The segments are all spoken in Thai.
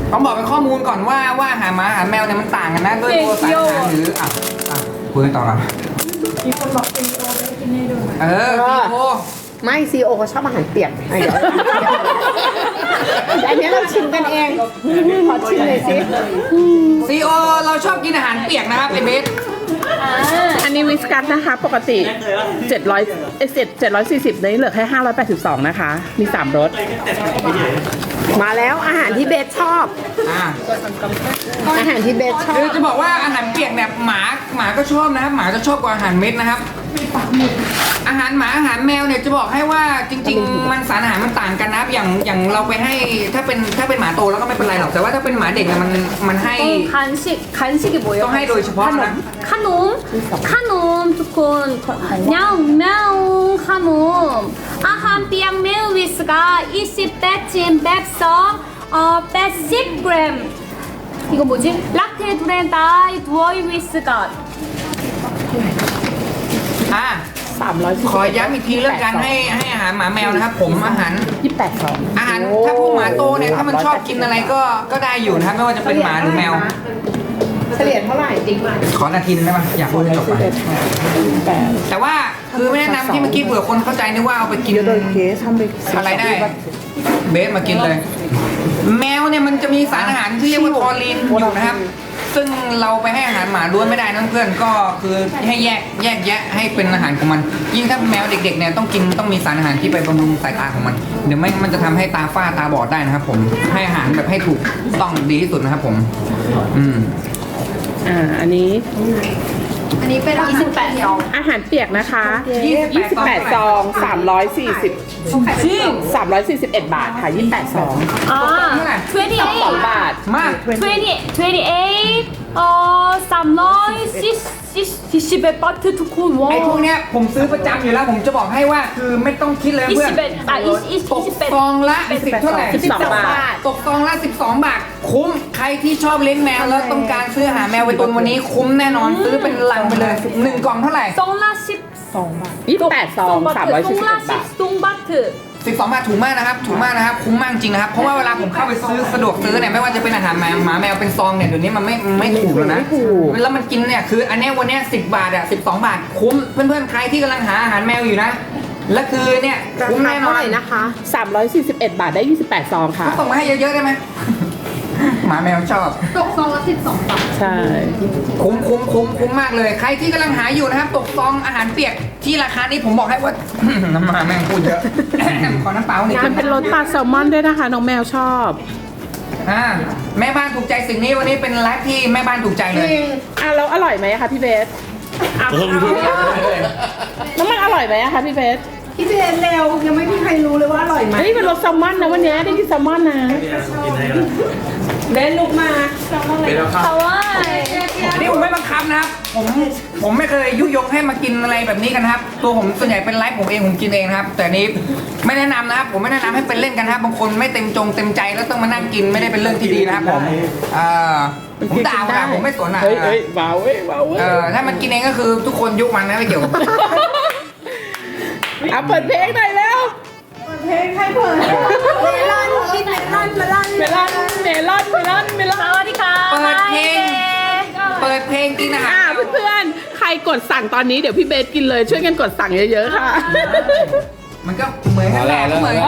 ต้องบอกเป็นข้อมูลก่อนว่าอาหารหมาอาหารแมวเนี่ยมันต่างกันนะด้วยตัวสารอาหารหรือคุยกันต่อครับมีคนบอกซีโอได้กินให้ดูไหมซีโอไม่ซีโอเขาชอบอาหารเปียกเดี๋ยวอันนี้เราชิมกันเองขอชิมเลยสิซีโอเราชอบกินอาหารเปียกนะครับไอเบสอันนี้วิสกัสนะคะ ปกติ740นี้เหลือแค่582นะคะ มี3รสมาแล้วอาหารที่เบสชอบ อาหารที่เบสชอคือบ จะบอกว่าอาหารเปียกเนี่ยหมาก็ชอบนะครับหมาจะชอบกว่าอาหารเม็ดนะครับ อาหารหมาอาหารแมวเนี่ยจะบอกให้ว่าจริงๆมันสารอาหารมันต่างกันนะครับอย่างเราไปให้ถ้าเป็นหมาโตแล้วก็ไม่เป็นไรหรอกแต่ว่าถ้าเป็นหมาเด็กเนี่ยมันให้ 간식이 뭐예요? ต้องให้โดยเฉพาะนะ 카놈 두콘 냐옹 мя옹 카놈 아한 삐양 메우 위스가 20배침 맵서 110g 이거 뭐지? 락테 두렌다이 두어이 위스가 300 ขอย้ำอีกทีเรื่องการให้อาหารหมาแมวนะครับ ผมอาหาร 28 ซองอาหารถ้าพวกหมาโตเนี่ยถ้ามันชอบกินอะไรก็ได้อยู่นะครับไม่ว่าจะเป็นหมาหรือแมวเฉลี่ยเท่าไหร่จริงไหมขอนาทีนึงได้ไหมอยากพูดให้จบไปแต่ว่าคือไม่แนะนำที่เมื่อกี้เผื่อคนเข้าใจนึกว่าเอาไปกินอะไรได้ เบสมากินเลย แมวเนี่ยมันจะมีสารอาหารที่เรียกว่าทอรีนอยู่นะครับ ซึ่งเราไปให้อาหารหมาล้วนไม่ได้นะเพื่อนก็คือให้แยกแยะให้เป็นอาหารของมัน ยิ่งถ้าแมวเด็กๆเนี่ยต้องมีสารอาหารที่ไปบำรุงสายตาของมัน เดี๋ยวไม่มันจะทำให้ตาฝ้าตาบอดได้นะครับ ผมให้อาหารแบบให้ถูกต้องดีที่สุดนะครับผมอันนี้อันนี้เป็น28ซองอาหารเปียกนะคะ 28 ซอง341 บาทค่ะ 28 ซอง 아 2 บาทมาก 310배 바트 두콘 ไอ้พวก 와 เนี้ยผมซื้อประจำอยู่แล้วผมจะบอกให้ว่าคือไม่ต้องคิดเลยเพื่อน ตกซองละ10เท่าไหร่ 12 บาทตกซองละ12 บาท คุ้มใครที่ชอบเลี้ยงแมวแล้วต้องการซื้ออาหารแมวไปตุนวันนี้คุ้มแน่นอนซื้อเป็นลังไปเลย1 กล่องเท่าไหร่ 송라 28 ซอง 341 บาท 송바트 12 บาทถูกมากนะครับถูกมากนะครับคุ้มมากจริงนะครับเพราะว่าเวลาผมเข้าไปซื้อสะดวกซื้อเนี่ยไม่ว่าจะเป็นอาหารหมาแมวเป็นซองเนี่ยเดี๋ยวนี้มันไม่ถูกแล้วนะแล้วมันกินเนี่ยคืออันเนี้ยวันเนี้ย10 บาทอะ12 บาทคุ้มเพื่อนๆใครที่กำลังหาอาหารแมวอยู่นะและคือเนี่ยคุ้มแน่นอเท่าน ไหร่นะคะ 341 บาทได้ 28 ซองค่ะส่งมาให้เยอะๆได้ไหม หมาแมวชอบตกซองละ12 บาทใช่คุ้มมากเลย ใครที่กำลังหาอยู่นะครับ ตกซองอาหารเปียกที่ราคานี้ผมบอกให้ว่า น้ำมาแม่งพูดเยอะ ขอน้ำเปล่าหน่อยมันเป็นรสปลาแซลมอนด้วยนะคะ น้องแมวชอบแม่บ้านถูกใจสิ่งนี้วันนี้เป็นไลฟ์ที่แม่บ้านถูกใจเลยแล้วอร่อยไหมคะพี่เบสน้องมันอร่อยไหมคะพี่เบสพี่เบสเร็วยังไม่มีใครรู้เลยว่าอร่อยไหมเฮ้ยเป็นรสแซลมอนนะวันนี้ได้กินแซลมอนนะเบสลุกมา 하와이 นี่ผมไม่บังคับนะครับ ผมไม่เคยยุยงให้มากินอะไรแบบนี้กันนะครับ ตัวผมส่วนใหญ่เป็นไลฟ์ผมเองผมกินเองนะครับ แต่นี้ไม่แนะนำนะครับ ผมไม่แนะนำให้เป็นเล่นกันนะครับ บางคนไม่เต็มใจแล้วต้องมานั่งกินไม่ได้เป็นเรื่องที่ดีนะครับผมผมด่าผมไม่สนอ่ะเฮ้ยว้าวเว้ยว้าวเว้ยถ้ามันกินเองก็คือทุกคนยุคมันนะไม่เกี่ยวกับเอาเปิดเพลงหน่อยแล้วเพลงให้เปิดเมลอนกินเมลอนเมลอน 사와디카 เปิดเพลงกินอาหารเพื่อนๆ ใครกดสั่งตอนนี้เดี๋ยวพี่เบสกินเลยช่วยกันกดสั่งเยอะๆค่ะมันก็เหมือนกันแหละเหมือนกัน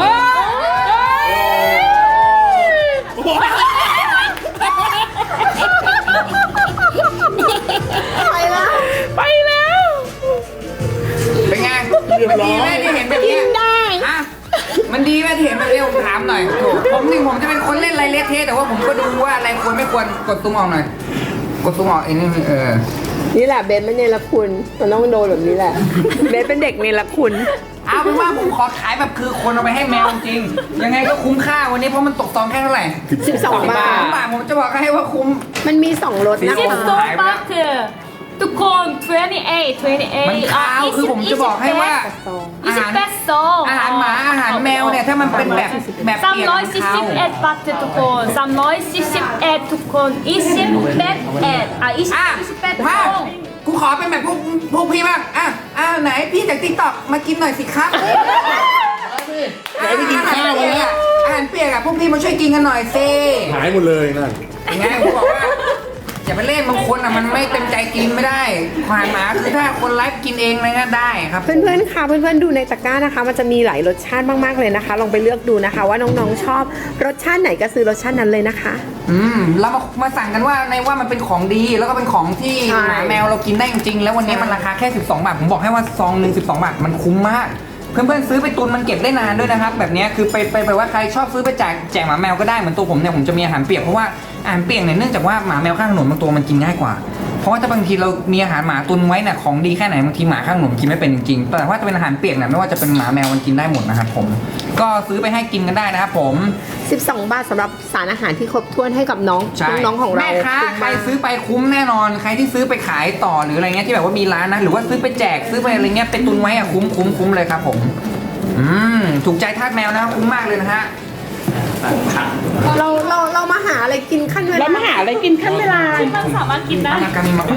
ไปแล้วเป็นไงมันดีไหมที่เห็นแบบเนี้ยมันดีไหมที่เห็นแบบนี้ผมถามหน่อยผมจะเป็นคนเล่นอะไรเละเทะแต่ว่าผมก็ดูว่าอะไรควรไม่ควรกดตุ้มออกหน่อย กดตุ้มออกไอ้นี่นี่แหละเบสไม่เนรคุณมันต้องโดนแบบนี้แหละ เบสเป็นเด็กเนรคุณเอาเป็นว่าผมขอขายแบบคือคนเอาไปให้แมวจริง ยังไงก็คุ้มค่าวันนี้เพราะมันตกซองแค่เท่าไหร่ 12 บาท 2 บาทผมจะบอกให้ว่าคุ้มมันมี 2 รสนะคะ 송바트 두콘 28 มันคาวคือผมจะบอกให้ว่าอาหาร 28송 อาหารหมาอาหารแมวเนี่ยถ้ามันเป็นแบบเปียกมันคาว 371 바트 두콘 371 두콘 28 ภาพ 28송 กูขอเป็นแบบพวกพี่บ้างไหนพี่จากติ๊กต็อกมากินหน่อยสิครับไหนไปกินข้าวมาแล้วอาหารเปียกอะพวกพี่มาช่วยกินกันหน่อยสิหายหมดเลยนั่นยังไงผมบอกว่าอย่าไปเล่นบางคนอะมันไม่เต็มใจกินไม่ได้ควายหมาคือถ้าคนไลฟ์กินเองอะไรก็ได้ครับเพื่อนๆค่ะเพื่อนๆดูในตะกร้านะคะ มันจะมีหลายรสชาติมากๆเลยนะคะ ลองไปเลือกดูนะคะ ว่าน้องๆชอบรสชาติไหนก็ซื้อรสชาตินั้นเลยนะคะเรามาสั่งกันว่าในว่ามันเป็นของดีแล้วก็เป็นของที่ใช่หมาแมวเรากินได้จริงๆแล้ววันนี้มันราคาแค่12 บาทผมบอกให้ว่าซองหนึ่ง12 บาทมันคุ้มมาก เพื่อนๆซื้อไปตุนมันเก็บได้นานด้วยนะครับแบบนี้คือไปว่าใครชอบซื้อไปแจกหมาแมวก็ได้เหมือนตัวผมเนี่ยผมจะมีอาหารเปียกเพราะว่าอาหารเปียกเนี่ยเนื่องจากว่าหมาแมวข้างถนนบางตัวมันกินง่ายกว่าเพราะว่าถ้าบางทีเรามีอาหารหมาตุนไว้เนี่ยของดีแค่ไหนบางทีหมาข้างถนนกินไม่เป็นจริงๆแต่ว่าจะเป็นอาหารเปียกเนี่ยไม่ว่าจะเป็นหมาแมวมันกินได้หมดนะครับผมก็ซื้อไปให้กินกันได้นะครับผม 12 บาทสำหรับสารอาหารที่ครบถ้วนให้กับน้องใช่น้องๆของเราแม่ค้าคุ้มใครมากซื้อไปคุ้มแน่นอน ใครที่ซื้อไปขายต่อหรืออะไรเงี้ยที่แบบว่ามีร้านนะหรือว่าซื้อไปแจกซื้อไปอะไรเงี้ยเป็นตุนไว้อะคุ้มเลยครับผมถูกใจทาสแมวนะครับคุ้มมากเลยนะฮะเรามาหาอะไรกินขั้นเวลาแล้วมาหาอะไรกินขั้นเวลาที่มันสามารถกินได้อากามีมา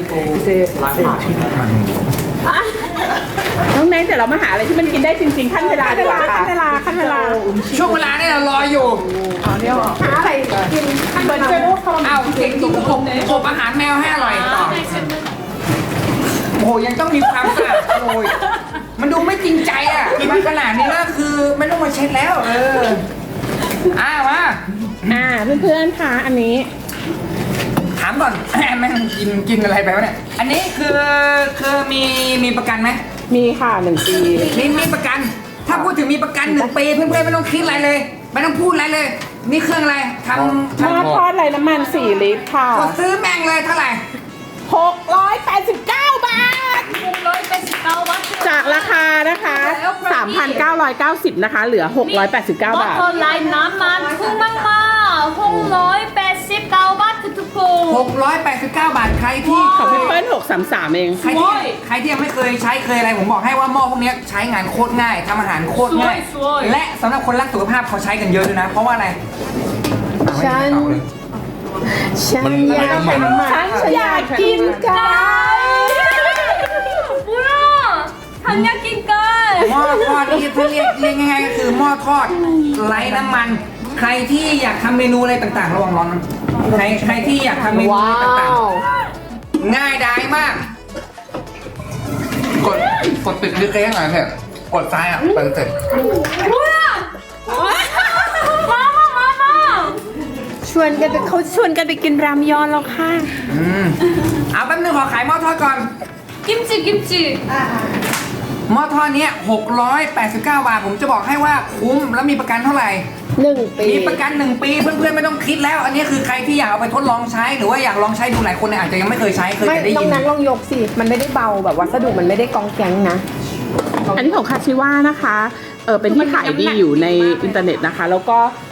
น้องเนทเดี๋ยวเรามาหาอะไรที่มันกินได้จริงๆขั้นเวลาดีกว่าค่ะขั้นเวลาช่วงเวลาเนี่ยเรารออยู่หาอะไรกินขั้นเวลาอ้าวเก่งจริงอบอาหารแมวให้อร่อยต่อโอ้โหยังต้องมีความสะอาดโอ้ยมันดูไม่จริงใจอ่ะมาขนาดนี้แล้วคือไม่ต้องมาเช็ดแล้วมาเพื่อนๆค่ะอันนี้ถามก่อน แม่งกินอะไรไปวะเนี่ยอันนี้คือมีประกันไหมมีค่ะ1 ปีมีประกัน ถ้าพูดถึงมีประกัน1 ปีเพื่อนๆไม่ต้องคิดอะไรเลย ไม่ต้องพูดอะไรเลย นี่เครื่องอะไรทหม้อทอดไร้น้ำมัน4 ลิตรค่ะำกดซื้อแม่งเลยเท่าไหร่ 689 บาท 689 บาทจากราคานะคะ 3,990 นะคะ เหลือ 689 บาท 버터 라인 남만 풍망마 689 바트 투코 689 บาทใครที่ของพี่เปิ้ล633 เองใครที่ยังไม่เคยใช้เคยอะไรผมบอกให้ว่าหม้อพวกเนี้ยใช้งานโคตรง่ายทำอาหารโคตรง่ายสวยๆและสำหรับคนรักสุขภาพเขาใช้กันเยอะด้วยนะ เพราะว่าอะไรฉัน อยากเป็นหมาฉันอยากกินไก่ 뭐야 단약긴깔 หม้อทอดนี่ถ้าเรียกง่ายๆก็คือหม้อทอดไร้น้ำมัน ใครที่อยากทำเมนูอะไรต่างๆระวังร้อนนะใครที่อยากทำเมนูว้าอะไรต่างวๆ ง่ายดายมาก กดติดดิเค้งหน่อยเถอะกดซ้ายอ่ะเปิดเสร็จ 뭐야 마마 ชวนกันไปกินรามยอนแล้วค่ะเอาแป๊บนึงขอขายหม้อทอดก่อน 김치 หม้อทอดเนี้ย689 บาท ผมจะบอกให้ว่าคุ้มแล้วมีประกันเท่าไหร่ 1 ปีมีประกัน 1 ปีเพื่อนๆไม่ต้องคิดแล้ว อันนี้คือใครที่อยากเอาไปทดลองใช้หรือว่าอยากลองใช้ดูหลายคนเนี่ยอาจจะยังไม่เคยใช้เคยไม่แต่ได้ต้อยิงนนั้นลองยกสิ มันไม่ได้เบาแบบวัสดุมันไม่ได้กองแกงนะอันนี้ของคาชิว่านะคะเป็นที่ขายดีอยู่ในอินเทอร์เน็ตนะคะ แล้วก็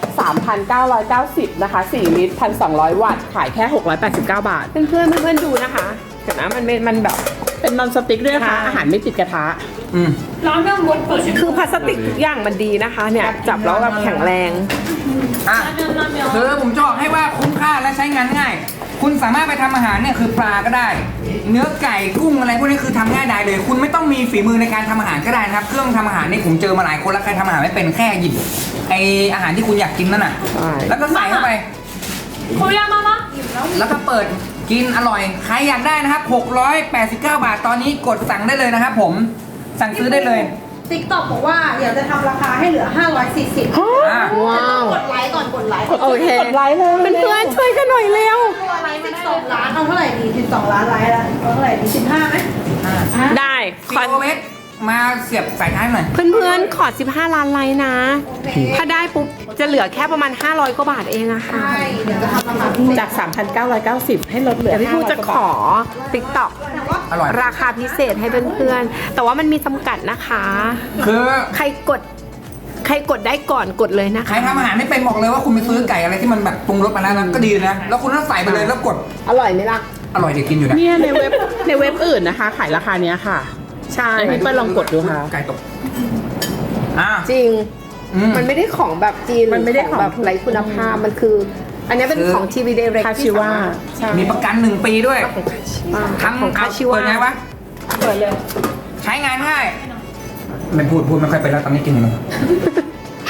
3,990 นะคะ 4 ลิตร 1,200 วัตต์ ขายแค่ 689 บาทเพื่อนๆดูนะคะเดี๋ยวนะมันแบบเป็นนอนสติ๊กด้วยนะคะค่ะอาหารไม่ติดกระทะ 라면 먹고 싶어 คือพลาสติกทุกอย่างมันดีนะคะ เนี่ยจับแล้วแบบแข็งแรงอ่ะ 라면 คือผมจะบอกให้ว่าคุ้มค่าและใช้งานง่าย คุณสามารถไปทำอาหารเนี่ยคือปลาก็ได้ เนื้อไก่กุ้งอะไรพวกนี้คือทำง่ายได้เลย คุณไม่ต้องมีฝีมือในการทำอาหารก็ได้นะครับ เครื่องทำอาหารนี่ผมเจอมาหลายคนแล้วใครทำอาหารไม่เป็นแค่หยิบไออาหารที่คุณอยากกินนั่นน่ะใช่แล้วก็ใส่เข้าไป 코리아 마마 แล้วก็เปิดกินอร่อย ใครอยากได้นะครับ 689 บาท ตอนนี้กดสั่งได้เลยนะครับผม สั่งซื้อได้เลยติ๊กต็อกบอกว่าเดี๋ยวจะทำราคาให้เหลือ 540 อ่ะว้าวกดไลค์ก่อนกดไลค์โอเคกดไลค์เลยเพื่อนๆช่วยกันหน่อยเร็วตัวไลค์12 ล้านเอาเท่าไหร่ดี12 ล้านไลค์แล้วเอาเท่าไหร่ดี15ไหมได้ซีโอเวสมาเสียบสายท้ายหน่อยเพื่อนๆขอ 15 ล้านไลค์นะ ถ้าได้ปุ๊บ จะเหลือแค่ประมาณ 500 กว่าบาทเองอะค่ะใช่ เดี๋ยวจะทำราคาพิเศษจาก 3,990 ให้ลดเหลือเดี๋ยวพี่พูจะขอ TikTok อร่อยราคาพิเศษให้เพื่อนๆ แต่ว่ามันมีจำกัดนะคะคือใครกดได้ก่อนกดเลยนะใครคะทำอาหารไม่เป็นบอกเลยว่าคุณไปซื้อไก่อะไรที่มันแบบปรุงรสมาแล้วนะก็ดีนะ แล้วคุณต้องใส่ไปเลยแล้วกดอร่อยไหมล่ะอร่อยเดี๋ยวกินอยู่นะเนี่ยในเว็บอื่นนะคะ ขายราคาเนี้ยค่ะใช่ให้พี่เปิ้ลลองกดดูค่ะไก่ตกอ่าจริงมัมัน นไม่ได้ของแบบจีนมันไม่ได้หรืแบบของไร้คุณภาพ มันคือ อันนี้เป็นของทีวีเดเรกคาชิว่าใช่มีประกัน1 ปีด้วยทำของคาชิวะเปิดไงวะเปิดเลยใช้งานง่ายไม่พูดไม่ค่อยเป็นแล้วตอนนี้กินอยู่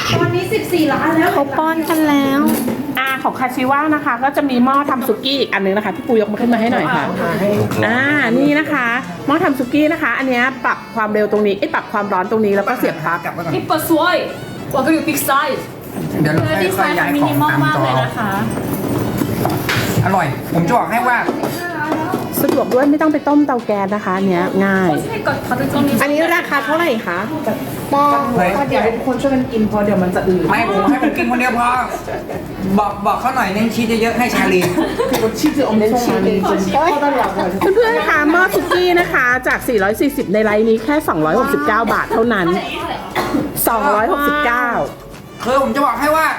ตอนนี้ 14 ล้านแล้วเขาป้อนกันแล้วของคาชิว่านะคะ ก็จะมีหม้อทำซุกี้อีกอันนึงนะคะพี่ปูยกมาขึ้นมาให้หน่อยค่ะนี่นะคะหม้อทำซุกี้นะคะ อันเนี้ยปรับความเร็วตรงนี้ปรับความร้อนตรงนี้แล้วก็เสียบปลั๊กกลับไว้ก่อน 이뻐 스와이. 와 그리고 빅 사이즈. เดี๋ยวเรา 네, ค่อย 빅 ๆย้าย 사이즈 ของ 미니멈 ตามจอ 막เลยนะคะอร่อย ผมจะบอกให้ว่าสะดวกด้วยไม่ต้องไปต้มเตาแก๊สนะคะอันเนี้ยง่าย 커지니까 다들 좀 อันนี้ราคาเท่าไหร่คะหม้อเฮ้ยเดี๋ยวให้ทุกคนช่วยกันกินเพราะเดี๋ยวมันจะอืดไม่ผมให้ผมกินคนเดียวพอ บอกเขาหน่อยเน้นชีสเยอะๆให้ชาลี 치즈 엄청 많이 퍼달라고 เพื่อนๆคะหม้อซุกี้นะคะ จาก 440 ในไลน์นี้แค่ 269 บาทเท่านั้น 269 คือผมจะบอกให้ว่า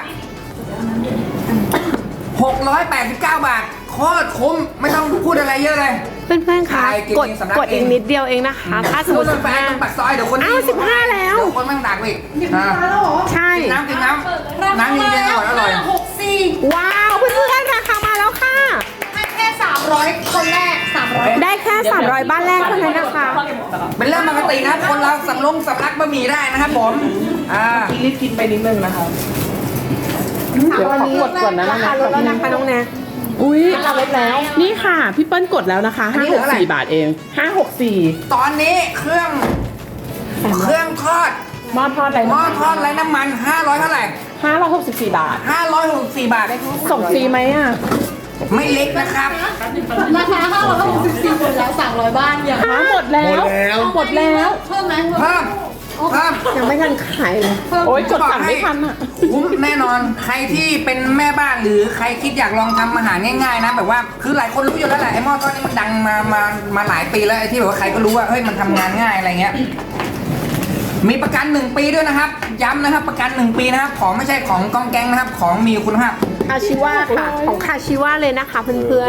689 บาทโคตรคุ้มไม่ต้องพูดอะไรเยอะเลยเพื่อนๆคะใช่กินกดเองสำนักกดอีกเองนิดเดียวเองนะคะ ถ้าสมมติรถไฟตรงปากซอยเดี๋ยวคนอ้าว15แล้วเดี๋ยวคนแม่งดักไปอีกอ่าแล้วเหรอใช่กินน้ำน้ำเย็นๆอร่อย 64 ว้าวเพื่อนๆราคามาแล้วค่ะให้แค่ 300 คนแรก 300 ได้แค่ 300 บ้านแรกเท่านั้นนะคะเป็นเรื่องปกตินะคนเราสำลักบะหมี่ได้นะครับผมรีบกินไปนิดนึงนะคะเดี๋ยวขอกดก่อนนะราคาลดแล้วนะคะน้องแนนอุ้ยราคาลดแล้วนี่ค่ะพี่เปิ้ลกดแล้วนะคะ 564 บาทเอง 564 ตอนนี้เครื่องทอดหม้อทอดอะไรหม้อทอดไร้น้ำมัน500เท่าไหร่ 564 บาท 564 บาทส่งฟรีไหมอ่ะไม่เล็กนะครับราคา564คนแล้ว 300 บ้านอย่างหมดแล้ว หมดแล้วเพิ่มไหมเพิ่มยังไม่ทันขายเลยโอ๊ยกดสั่งไม่ทันอ่ะคุ้มแน่นอนใครที่เป็นแม่บ้านหรือใครคิดอยากลองทำอาหารง่ายๆนะแบบว่าคือหลายคนรู้อยู่แล้วแหละไอ้หม้อทอดนี่มันดังมาหลายปีแล้วไอ้ที่แบบว่าใครก็รู้ว่าเฮ้ยมันทำงานง่ายอะไรเงี้ยมีประกัน1 ปีด้วยนะครับ ย้ำนะครับประกัน1 ปีนะครับของไม่ใช่ของกองแกงนะครับของมีคุณภาพคาชิว่าค่ะ ของคาชิว่าเลยนะคะเพื่อน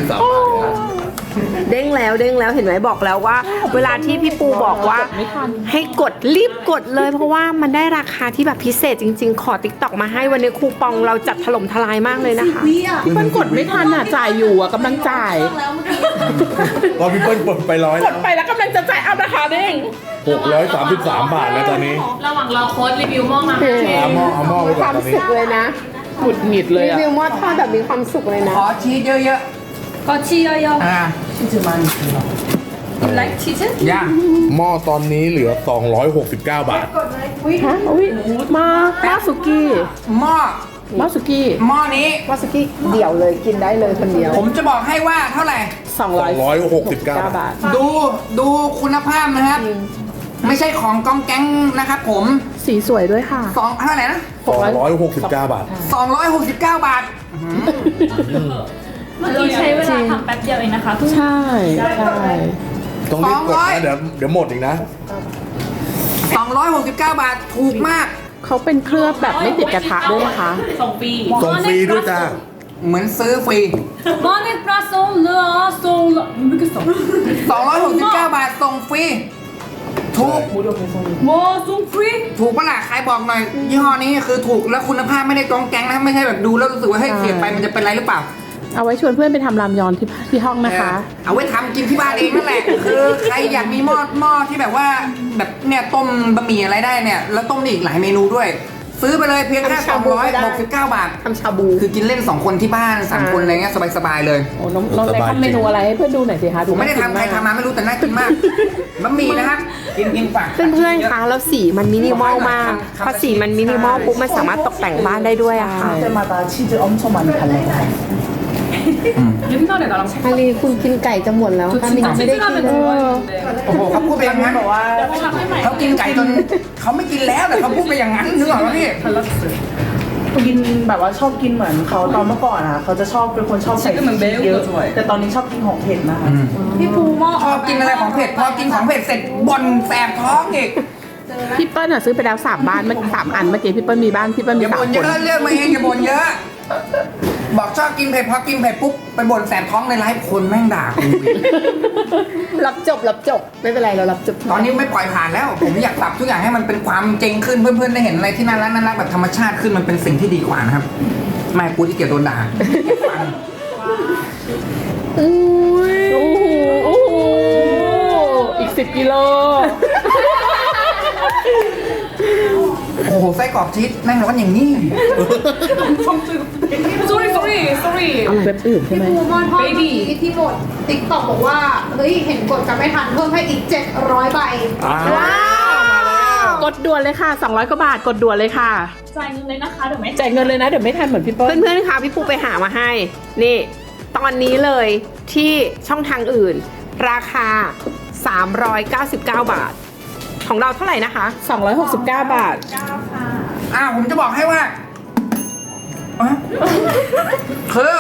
ๆเด้งแล้วเห็นไหมบอกแล้วว่า เวลาที่พี่ปูบอกว่า ให้กดรีบกดเลย เพราะว่ามันได้ราคาที่แบบพิเศษจริงๆ ขอติ๊กต็อกมาให้วันนี้คูปองเราจัดถล่มทลายมากเลยนะคะวิอ่ะพี่เปิ้ลกดไม่ทันอ่ะ จ่ายอยู่อ่ะกำลังจ่ายแล้วเมื่อกี้พอพี่เปิ้ลกดไป100 กดไปแล้วกำลังจะจ่ายเอาราคาเด้ง 633 บาทแล้วตอนนี้ระหว่างเราโค้ดรีวิวหม้อมาเอาหม้อไปคก่อวาน มตอนนี้สุขเลยนะหงุดหงิดเลยรีอ่ะวิวหม้อทอดแบบมีความสุขเลยนะขอชีสเยอะ 거치여요. ๆ You like cheese? ย่าหม้อตอนนี้เหลือ 269 บาทฮะอุ้ยมาสุกี้หม้อมาสุกี้หม้อนี้วาซากิเดี่ยวเลยกินได้เลยคนเดียวผมจะบอกให้ว่าเท่าไหร่ 269 บาทดูคุณภาพนะครับ ไม่ใช่ของกองแก๊งนะครับผมสีสวยด้วยค่ะเท่าไหร่นะ 269 บาท 269 บาทเราใช้เวลาทำแป๊บเดียวเองนะคะใช่ใช่ต้องรีบกดนะเดี๋ยวหมดอีกนะ 269 บาทถูกมากเขาเป็นเคลือบแบบไม่ติดกระทะด้วยนะคะส่งฟรีส่งฟรีด้วยจ้าเหมือนซื้อฟรี 마네 플러스 올라 모르겠어. 269 บาทส่งฟรี ถูก 뭐 송프리? ถูกปะล่ะใครบอกหน่อย ยี่ห้อนี้คือถูกแล้วคุณภาพไม่ได้กองแก๊งนะไม่ใช่แบบดูแล้วรู้สึกว่าเฮ้ยเสียไปมันจะเป็นไรหรือเปล่าเอาไว้ชวนเพื่อนไปทำรามยอนที่ห้องนะคะเอาไว้ทำกินที่บ้านเองนั่นแหละ คือใครอยากมีหม้อที่แบบว่าแบบเนี่ยต้มบะหมี่อะไรได้เนี่ยแล้วต้มได้อีกหลายเมนูด้วย ซื้อไปเลยเพียงแค่ทำชาบูก็ได้ 269 บาททำชาบูคือกินเล่น 2 คนที่บ้าน3 คนอะไรเงี้ยสบายๆเลยโอ้น้องเล็กทำเมนูอะไรให้เพื่อนดูหน่อยสิคะผมไม่ได้ทำใครทำมาไม่รู้แต่น่ากินมากบะหมี่นะครับกินฝากเพื่อนๆคะแล้วสีมันมินิมอลมากพอสีมันมินิมอลปุ๊บมันสามารถตกแต่งบ้านได้ด้วยอะค่ะ 때마다 치즈 엄청 많이 발라요. 옛날에 나랑 อาลีคุณกินไก่จะหมดแล้วค่ะมินไม่ได้กิน 치즈라면 좋아했는데 โอ้โหเขาพูดไปอย่างนั้น เขากินไก่จนเขาไม่กินแล้วแต่เขาพูดไปอย่างนั้นนึกออกไหมพี่กินแบบว่าชอบกินเหมือนเขาตอนเมื่อก่อนอะเขาจะชอบเป็นคนชอบใส่พริกเยอะแต่ตอนนี้ชอบกินของเผ็ดนะคะพี่ปูหม้อชอบกินอะไรของเผ็ดพอกินของเผ็ดเสร็จบ่นแสบท้องอีกพี่เปิ้ลอะซื้อไปแล้ว3 บ้าน3 อันเมื่อกี้พี่เปิ้ลมีบ้านพี่เปิ้ลอมีย่าบ่น 3 เยคนอะเรื่องมาเองอย่าบ่นเยอะ บอกชอบกินเผ็ดพอกินเผ็ดปุ๊บไปบ่นแสบท้องในไลฟ์คนแม่งด่ากูอีกรับจบไม่เป็นไรเรารับจบตอนนี้ไม่ปล่อยผ่านแล้ว ผมอยากปรับทุกอย่างให้มันเป็นความจริงขึ้นเพื่อนๆได้เห็นอะไรที่น่ารักแบบธรรมชาติขึ้นมันเป็นสิ่งที่ดีกว่านะครับไม่กูที่เกียจโดนด่าโอ้โหอีก10 กิโลโอ้โหไส้กรอกชีสแม่งร้อนอย่างนี้ sorry sorry sorry เว็บอื่นใช่ไหมปูมอนทอดที่หมดติ๊กต็อกบอกว่าเฮ้ยเห็นกดกันไม่ทันเพิ่มให้อีก700 ใบว้าวกดด่วนเลยค่ะ 200 กว่าบาทกดด่วนเลยค่ะจ่ายเงินเลยนะคะเดี๋ยวไม่จ่ายเงินเลยนะ เดี๋ยวไม่ทันเหมือนพี่เปิ้ลเพื่อนๆค่ะพี่ปูไปหามาให้ นี่ ตอนนี้เลยที่ช่องทางอื่น ราคา 399 บาท ของเราเท่าไหร่นะคะ 269 บาทผมจะบอกให้ว่าอ่ะคือ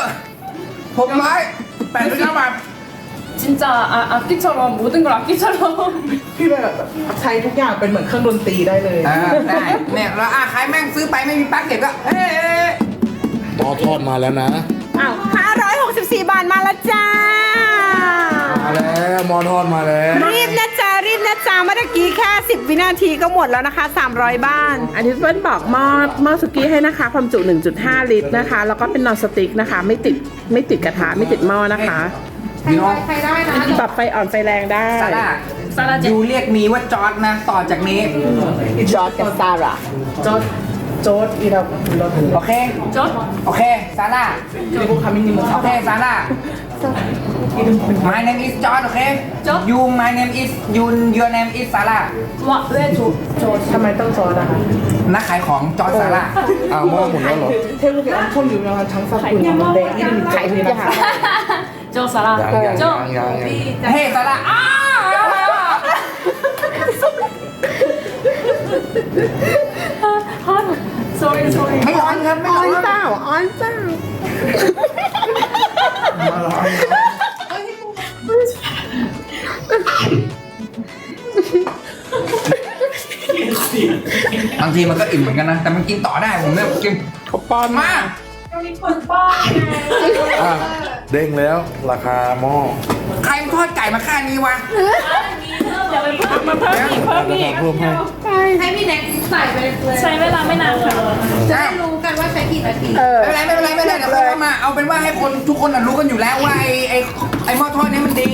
689 บาท 진짜 악기처럼 모든 걸 악기처럼 พี่แบบใช้ทุกอย่างเป็นเหมือนเครื่องดนตรีได้เลยได้เนี่ยแล้วใครแม่งซื้อไปไม่มีปลั๊กเก็บก็เฮ้ยหม้อทอดมาแล้วนะอ้าว564 บาทมาแล้วจ้ามาแล้วหม้อทอดมาแล้วรีบนะจ๊ะเมื่อกี้แค่10 วินาทีก็หมดแล้วนะคะ 300 บ้านอันนี้เปิ้ลบอกหม้อสุกี้ให้นะคะ ความจุ 1.5 ลิตรนะคะ แล้วก็เป็นนอนสติ๊กนะคะ ไม่ติดกระทะไม่ติดหม้อนะคะใครได้นะปรับไฟอ่อนไฟแรงได้ซาร่า 사라지 ยูเรียกมีว่าจอร์ดนะ ต่อจากนี้จอร์ดกับซาร่าโจ๊ดอีเราโอเค 전 โอเค ซาร่าที่พวกคำมินิมันโอเค ซาร่า My name is George โอเค George You my name is Your name is Sarah 왜저 ทำไมต้องซอสอะคะนักขายของจอร์จซาร่าหม้อหมดแล้วเหรอเทพบุตร엄청유명한장사꾼 있는데 이름이 야. 저 사람 ยัง 저 เฮ้ซาร่า sorry sorry ไม่ร้อนครับ ไม่อร้ออน นเปล่าออนเปล่าบางทีมันก็อิ่มเหมือนกันนะ แต่มันกินต่อได้ผมเนี่ยกินเขาป้อนมาอ่ะเด้งแล้วราคาหม้อใครทอดไก่มาค่านี้วะมาเพิ่มอีกเพิ่มอีกเพิ่มให้ให้พี่แน็กใส่ไปเลยใช้เวลาไม่นานค่ะจะได้รู้กันว่าใช้กี่นาทีไม่เป็นไรเดี๋ยวค่อยเข้ามา เอาเป็นว่าให้คนทุกคนน่ะรู้กันอยู่แล้วว่าไอ้หม้อทอดเนี้มันดี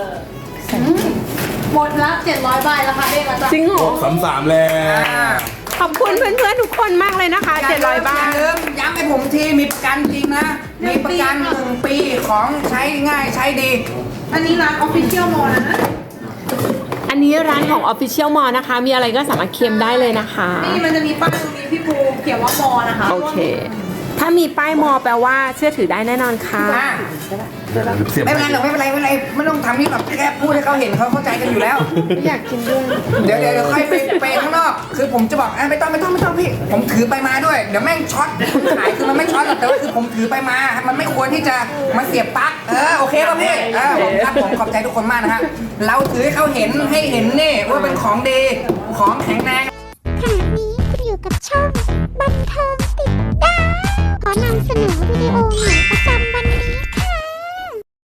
หมดละ700 ใบราคาเด้งแล้วจ้ะจริงเหรอ 33แล้วขอบคุณเพื่อนๆทุกคนมากเลยนะคะ 700 บาทอย่าลืมย้ำให้ผมทีมีประกันจริงนะ มีประกัน1 ปีของใช้ง่ายใช้ดีอันนี้ร้าน Official Mall นะอันนี้ร้านของ Official Mall นะคะ มีอะไรก็สามารถเค็มได้เลยนะคะนี่มันจะมีป้ายตรงนี้พี่ปูเขียนว่ามอนะคะโอเค ถ้ามีป้ายมอแปลว่าเชื่อถือได้แน่นอนค่ะเสียบไม่เป็นไรหรอกไม่ต้องทำนี่หรอกแค่พูดให้เขาเห็นเขาเข้าใจกันอยู่แล้วอยากกินด้วยเดี๋ยวค่อยไปข้างนอก คือผมจะบอกไม่ต้องพี่ ผมถือไปมาด้วย เดี๋ยวแม่งช็อตขายคือมันไม่ช็อตหรอกแต่ว่าคือผมถือไปมา มันไม่ควรที่จะมาเสียบปลั๊กโอเคป่ะพี่ผมขอบใจทุกคนมากนะครับ เราถือให้เขาเห็นนี่ว่าเป็นของดี ของแข็งแรงขณะนี้คุณอยู่กับช่องบันเทิงติดดาวขอนำเสนอวิดีโอใหม่